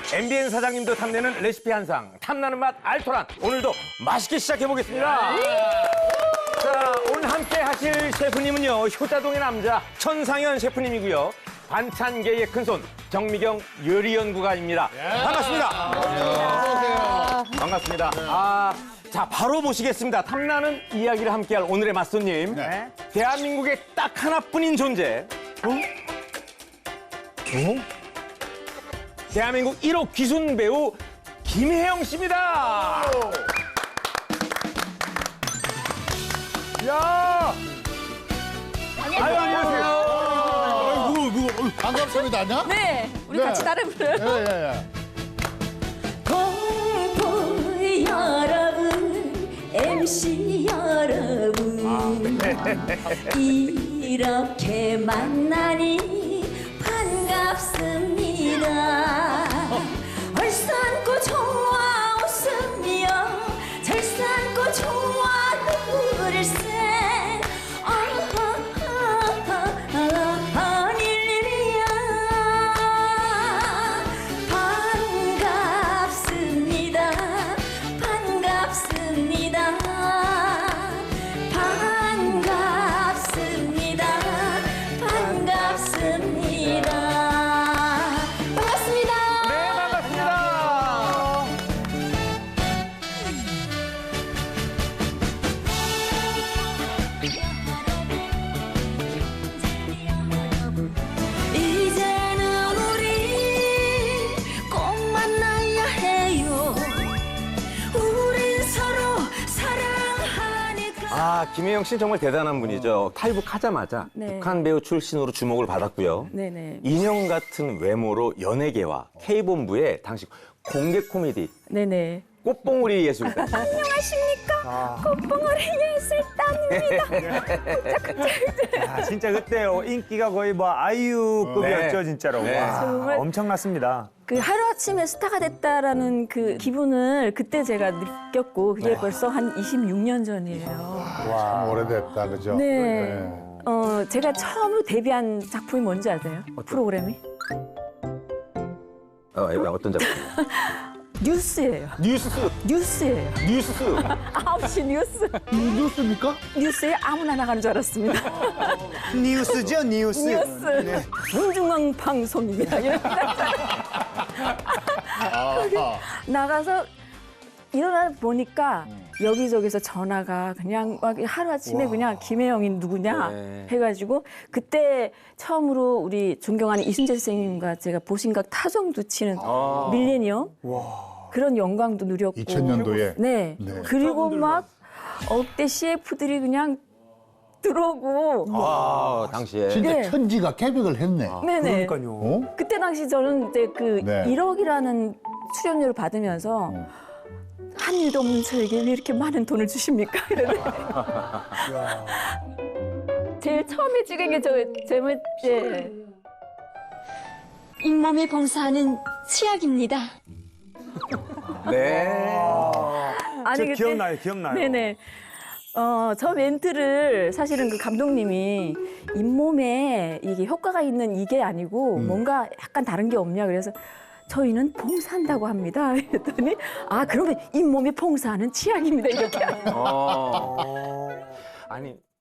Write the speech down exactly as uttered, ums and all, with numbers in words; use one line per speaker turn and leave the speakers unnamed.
엠비엔 사장님도 탐내는 레시피 한상, 탐나는 맛 알토란. 오늘도 맛있게 시작해보겠습니다. 자, 오늘 함께 하실 셰프님은요, 효자동의 남자 천상현 셰프님이고요. 반찬계의 큰손 정미경 요리연구가입니다. 반갑습니다.
안녕하세요.
반갑습니다. 아, 자, 바로 모시겠습니다. 탐나는 이야기를 함께할 오늘의 맛손님.
네.
대한민국에 딱 하나뿐인 존재. 어? 어? 대한민국 일 호 귀순 배우 김혜영 씨입니다. 야! 아유, 안녕하세요.
아이고, 누구, 반갑습니다, 아냐?
네, 우리
네.
같이 따라 불러요.
예, 예, 예.
공포 여러분, 엠씨 여러분, 이렇게 만나니 반갑습니다. 얼싸안고 좋아 웃으며 절싸안고 좋아 눈물을 새 아닐 일이야. 반갑습니다. 반갑습니다. 반갑습니다. 반갑습니다. 반갑습니다.
네, 반갑습니다.
이제는 우리 꼭 만나야 해요. 우린 서로 사랑하니까.
아, 김혜영 씨는 정말 대단한 분이죠. 탈북하자마자
네.
북한 배우 출신으로 주목을 받았고요.
네네.
인형 같은 외모로 연예계와 K본부의 당시 공개 코미디
네네.
꽃봉오리 예술단.
안녕하십니까? 꽃봉오리 예술단입니다.
아, 진짜 그때 인기가 거의 뭐 아이유급이었죠,
네.
진짜로.
네.
와,
정말.
엄청났습니다.
그 하루아침에 스타가 됐다라는 그 기분을 그때 제가 느꼈고 그게 벌써 한 이십육 년 전이에요.
참 오래됐다, 그죠?
네. 어, 제가 처음으로 데뷔한 작품이 뭔지 아세요? 프로그램이?
어, 이거 어떤 작품?
뉴스예요.
뉴스,
뉴스예요.
뉴스.
아홉 시 뉴스.
뉴스입니까?
뉴스에 아무나 나가는 줄 알았습니다.
뉴스죠, 뉴스.
뉴스. 정중앙 방송입니다. 이렇게
아하.
나가서 일어나 보니까 여기저기서 전화가 그냥 막 하루아침에 그냥 김혜영이 누구냐
네.
해가지고 그때 처음으로 우리 존경하는 이순재 선생님과 제가 보신각 타정도 치는
아.
밀레니엄 그런 영광도 누렸고
이천 년도에.
네.
네.
그리고 막 억대 씨에프들이 그냥 들어오고
아, 당시에.
진짜
네.
천지가 개벽을 했네.
네네.
그러니까요.
어?
그때 당시 저는 이제 그
네.
일억이라는 출연료를 받으면서 한 일도 없는 저에게 왜 이렇게 많은 돈을 주십니까? 이러는데. 제일 처음에 찍은 게 저 제목 예.
잇몸에 봉사하는 치약입니다.
네.
아니
저
그때
기억나요, 기억나요.
네네. 어, 저 멘트를 사실은 그 감독님이 잇몸에 이게 효과가 있는 이게 아니고 뭔가 약간 다른 게 없냐 그래서 저희는 봉사한다고 합니다. 그랬더니 아 그러면 잇몸에 봉사하는 치약입니다 이렇게.
어. 아니,